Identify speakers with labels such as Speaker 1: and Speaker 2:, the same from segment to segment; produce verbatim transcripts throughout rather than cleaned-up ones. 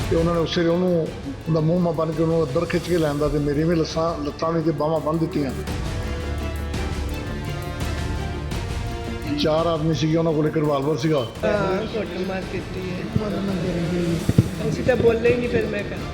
Speaker 1: ਤੇ ਉਹਨਾਂ ਨੇ ਉਸੇ ਉਹਨੂੰ ਉਹਦਾ ਮੂੰਹ ਮਾ ਬੰਨ ਕੇ ਉਹਨੂੰ ਅੰਦਰ ਖਿੱਚ ਕੇ ਲੈਂਦਾ ਤੇ ਮੇਰੀ ਵੀ ਲੱਸਾਂ ਲੱਤਾਂ ਵੀ ਤੇ ਬਾਹਾਂ ਬੰਨ੍ਹ ਦਿੱਤੀਆਂ। ਚਾਰ ਆਦਮੀ ਸੀਗੇ, ਉਹਨਾਂ ਕੋਲ ਇੱਕ ਰਿਵਾਲਵਰ ਸੀਗਾ।
Speaker 2: ਹਾਂ ਕੁੱਟਮਾਰ ਕੀਤੀ ਹੈ, ਅਸੀਂ ਤਾਂ ਬੋਲੇ ਹੀ ਨਹੀਂ। ਫਿਰ ਮੈਂ ਕਿਹਾ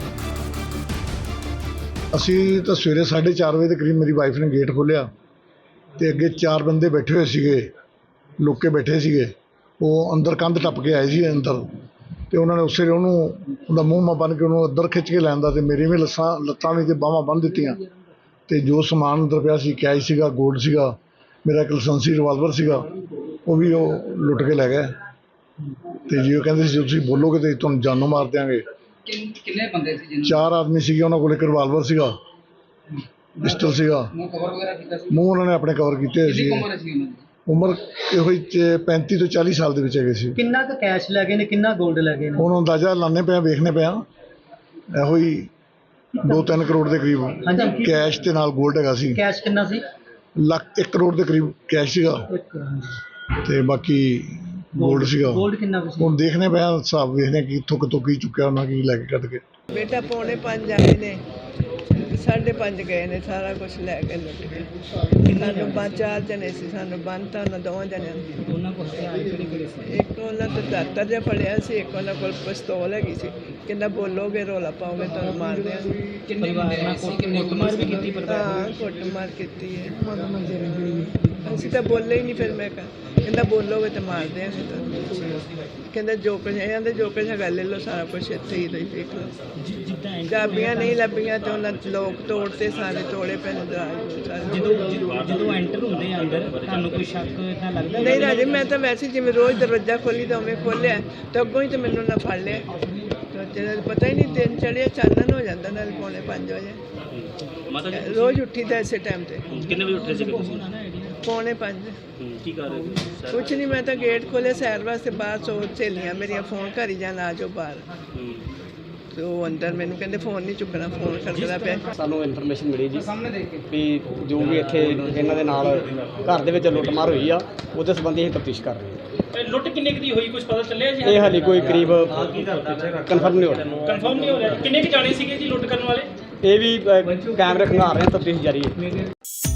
Speaker 1: ਅਸੀਂ ਤਾਂ ਸਵੇਰੇ ਸਾਢੇ ਚਾਰ ਵਜੇ ਦੇ ਕਰੀਬ ਮੇਰੀ ਵਾਈਫ ਨੇ ਗੇਟ ਖੋਲ੍ਹਿਆ ਤੇ ਅੱਗੇ ਚਾਰ ਬੰਦੇ ਬੈਠੇ ਹੋਏ ਸੀਗੇ, ਲੁੱਕ ਕੇ ਬੈਠੇ ਸੀਗੇ। ਉਹ ਅੰਦਰ ਕੰਧ ਟੱਪ ਕੇ ਆਏ ਸੀ ਅੰਦਰ, ਤੇ ਉਹਨਾਂ ਨੇ ਉਸੇ ਉਹਨੂੰ ਉਹਦਾ ਮੂੰਹ ਮਾ ਬੰਨ ਕੇ ਉਹਨੂੰ ਅੰਦਰ ਖਿੱਚ ਕੇ ਲੈਂਦਾ ਤੇ ਮੇਰੀ ਵੀ ਲੱਸਾਂ ਲੱਤਾਂ ਵੀ ਤੇ ਬਾਹਾਂ ਬੰਨ੍ਹ ਦਿੱਤੀਆਂ। ਤੇ ਜੋ ਸਮਾਨ ਅੰਦਰ ਪਿਆ ਸੀ, ਕੈਸ਼ ਸੀਗਾ, ਗੋਲਡ ਸੀਗਾ, ਮੇਰਾ ਇੱਕ ਲਾਇਸੈਂਸੀ ਰਿਵਾਲਵਰ ਸੀਗਾ, ਉਹ ਵੀ ਉਹ ਲੁੱਟ ਕੇ ਲੈ ਗਏ। ਤੇ ਜੀ ਉਹ ਕਹਿੰਦੇ ਸੀ ਤੁਸੀਂ ਬੋਲੋਗੇ ਤੇ ਤੁਹਾਨੂੰ ਜਾਨੋਂ ਮਾਰ ਦਿਆਂਗੇ।
Speaker 3: ਕਿੰਨੇ ਬੰਦੇ ਸੀ?
Speaker 1: ਚਾਰ ਆਦਮੀ ਸੀਗੇ, ਉਹਨਾਂ ਕੋਲ ਇੱਕ ਰਿਵਾਲਵਰ ਸੀਗਾ, ਪਿਸਟਲ ਸੀਗਾ।
Speaker 3: ਮੂੰਹ ਕਵਰ ਵਗੈਰਾ ਕੀਤਾ ਸੀ?
Speaker 1: ਮੂੰਹ ਉਹਨਾਂ ਨੇ ਆਪਣੇ ਕਵਰ ਕੀਤੇ ਹੋਏ ਸੀ।
Speaker 3: ਕਿੰਨੀ ਉਮਰ ਸੀ ਉਹਨਾਂ ਦੀ?
Speaker 1: ਉਮਰ ਇਹੋ ਹੀ ਪੈਂਤੀ ਤੋਂ ਚਾਲੀ ਸਾਲ ਦੇ ਵਿੱਚ ਹੈਗੇ ਸੀ।
Speaker 4: ਕਿੰਨਾ ਕੁ ਕੈਸ਼ ਲੈ ਗਏ ਨੇ, ਕਿੰਨਾ ਗੋਲਡ ਲੈ ਗਏ ਨੇ?
Speaker 1: ਹੁਣ ਅੰਦਾਜ਼ਾ ਲਾਣੇ ਪਿਆ, ਵੇਖਣੇ ਪਿਆ, ਇਹੋ ਹੀ ਦੋ ਤਿੰਨ ਕਰੋੜ ਦੇ ਕਰੀਬ
Speaker 4: ਹਾਂਜੀ।
Speaker 1: ਕੈਸ਼ ਤੇ ਨਾਲ ਗੋਲਡ ਹੈਗਾ ਸੀ।
Speaker 4: ਕੈਸ਼ ਕਿੰਨਾ ਸੀ?
Speaker 1: ਲੱਖ ਇੱਕ ਕਰੋੜ ਦੇ ਕਰੀਬ ਕੈਸ਼ ਸੀਗਾ ਤੇ ਬਾਕੀ ਗੋਲਡ ਸੀਗਾ।
Speaker 4: ਗੋਲਡ ਕਿੰਨਾ ਕੁ ਸੀ?
Speaker 1: ਹੁਣ ਦੇਖਣੇ ਪਿਆ, ਹਿਸਾਬ ਵੇਖਦੇ ਕਿ ਕਿੱਥੋਂ ਕਿੱਥੋਂ ਕੀ ਚੁੱਕਿਆ ਉਹਨਾਂ, ਕੀ ਲੈ ਕੇ ਕੱਢ ਕੇ।
Speaker 2: ਬੇਟਾ ਪੌਣੇ ਪੰਜ ਆਏ ਨੇ, ਸਾਢੇ ਪੰਜ ਗਏ ਨੇ, ਸਾਰਾ ਕੁਝ ਲੈ ਕੇ ਲੁੱਟ ਕੇ। ਸਾਨੂੰ ਪੰਜ ਚਾਰ ਜਣੇ ਸੀ, ਸਾਨੂੰ ਬੰਨ੍ਹਤਾ ਉਹਨਾਂ ਦੋਵਾਂ ਜਣਿਆਂ ਨੂੰ।
Speaker 4: ਉਹਨਾਂ ਕੋਲ ਹਥਿਆਰ ਕਿਹੜੇ ਕਿਹੜੇ ਸੀ?
Speaker 2: ਇੱਕ ਉਹਨਾਂ ਤੋਂ ਦਾਤਰ ਜਿਹਾ ਫੜਿਆ ਸੀ, ਇੱਕ ਉਹਨਾਂ ਕੋਲ ਪਿਸਤੌਲ ਹੈਗੀ ਸੀ। ਕਹਿੰਦਾ ਬੋਲੋਗੇ ਰੌਲਾ ਪਾਓਗੇ ਤੁਹਾਨੂੰ ਮਾਰ ਦਿਆਂਗੇ।
Speaker 3: ਕਿੰਨੇ ਬੰਦੇ ਆਏ ਸੀ? ਕਿੰਨੇ
Speaker 4: ਕੁੱਟਮਾਰ ਵੀ ਕੀਤੀ ਪਰਿਵਾਰ
Speaker 2: ਹਾਂ ਕੁੱਟਮਾਰ ਕੀਤੀ ਹੈ, ਅਸੀਂ ਤਾਂ ਬੋਲੇ ਹੀ ਨਹੀਂ। ਫਿਰ ਮੈਂ ਕਿਹਾ ਕਹਿੰਦਾ ਬੋਲੋਗੇ ਤੇ ਮਾਰ ਦਿਆਂਗੇ ਤੁਹਾਨੂੰ। ਕਹਿੰਦਾ ਜੋ ਕੁਝ ਇਹਨਾਂ ਦੇ ਜੋ ਕੁਝ ਹੈਗਾ ਲੈ ਲਓ, ਸਾਰਾ ਕੁਝ ਇੱਥੇ ਹੀ ਲਈ ਦੇਖ ਲਓ। ਚਾਬੀਆਂ ਨਹੀਂ ਲੱਭੀਆਂ ਤੇ ਉਹਨਾਂ ਲੋਕ ਤੋੜਤੇ, ਸਾਰੇ ਤੋੜੇ ਪਏ ਨੇ ਦਰਾਜ ਸਾਰੇ।
Speaker 4: ਜਦੋਂ ਜਦੋਂ ਐਂਟਰ ਹੁੰਦੇ ਆ ਅੰਦਰ, ਤੁਹਾਨੂੰ ਕੋਈ ਸ਼ੱਕ ਇਦਾਂ ਲੱਗਦਾ?
Speaker 2: ਨਹੀਂ ਰਾਜੇ, ਮੈਂ ਤਾਂ ਵੈਸੇ ਜਿਵੇਂ ਰੋਜ਼ ਦਰਵਾਜ਼ਾ ਖੋਲੀ ਤਾਂ ਉਵੇਂ ਖੋਲ੍ਹਿਆ ਤੇ ਅੱਗੋਂ ਹੀ ਤਾਂ ਮੈਨੂੰ ਨਾ ਫੜ ਲਿਆ। ਤਾਂ ਜਿਹੜਾ ਪਤਾ ਹੀ ਨਹੀਂ, ਦਿਨ ਚੜ੍ਹਿਆ ਚਾਨਣ ਹੋ ਜਾਂਦਾ ਨਾਲ ਪੌਣੇ ਪੰਜ ਵਜੇ। ਰੋਜ਼ ਉੱਠੀ ਦਾ ਇਸੇ ਟਾਈਮ ਤੇ।
Speaker 5: ਕਿੰਨੇ ਵਜੇ ਉੱਠੇ ਸੀ ਤੁਸੀਂ?
Speaker 2: ਪੌਣੇ ਪੰਜ।
Speaker 5: ਕੀ ਕਰ ਰਹੇ ਸੀ?
Speaker 2: ਕੁਛ ਨਹੀਂ, ਮੈਂ ਤਾਂ ਗੇਟ ਖੋਲ੍ਹਿਆ ਸੈਰ ਵਾਸਤੇ ਬਾਹਰ। ਸੋ ਸਹੇਲੀਆਂ ਮੇਰੀਆਂ ਫੋਨ ਕਰੀ ਜਾਣ ਆ ਜਾਓ ਬਾਹਰ। ਤੇ ਉਹ ਅੰਦਰ ਮੈਨੂੰ ਕਹਿੰਦੇ ਫੋਨ ਨਹੀਂ ਚੁੱਕਣਾ, ਫੋਨ ਕਰਦਾ ਪਿਆ।
Speaker 6: ਸਾਨੂੰ ਇਨਫੋਰਮੇਸ਼ਨ ਮਿਲੀ ਜੀ ਵੀ ਜੋ ਵੀ ਇੱਥੇ ਇਹਨਾਂ ਦੇ ਨਾਲ ਘਰ ਦੇ ਵਿੱਚ ਲੁੱਟਮਾਰ ਹੋਈ ਆ, ਉਹਦੇ ਸੰਬੰਧੀ ਅਸੀਂ ਤਫਤੀਸ਼ ਕਰ ਰਹੇ ਹਾਂ।
Speaker 5: ਇਹ ਲੁੱਟ ਕਿੰਨੇ ਕੁ ਦੀ ਹੋਈ, ਕੁਝ ਪਤਾ ਚੱਲਿਆ ਜੀ?
Speaker 6: ਇਹ ਹਾਲੇ ਕੋਈ ਕਰੀਬ ਕਨਫਰਮ ਨਹੀਂ ਹੋ ਰਿਹਾ।
Speaker 5: ਕਨਫਰਮ ਨਹੀਂ ਹੋ ਰਿਹਾ। ਕਿੰਨੇ ਕੁ ਜਾਣੇ ਸੀਗੇ ਜੀ ਲੁੱਟ ਕਰਨ ਵਾਲੇ?
Speaker 6: ਇਹ ਵੀ ਅ, ਕੈਮਰੇ ਖੰਗਾਰ ਰਹੇ ਹਾਂ, ਤਫਤੀਸ਼ ਜਾਰੀ ਹੈ।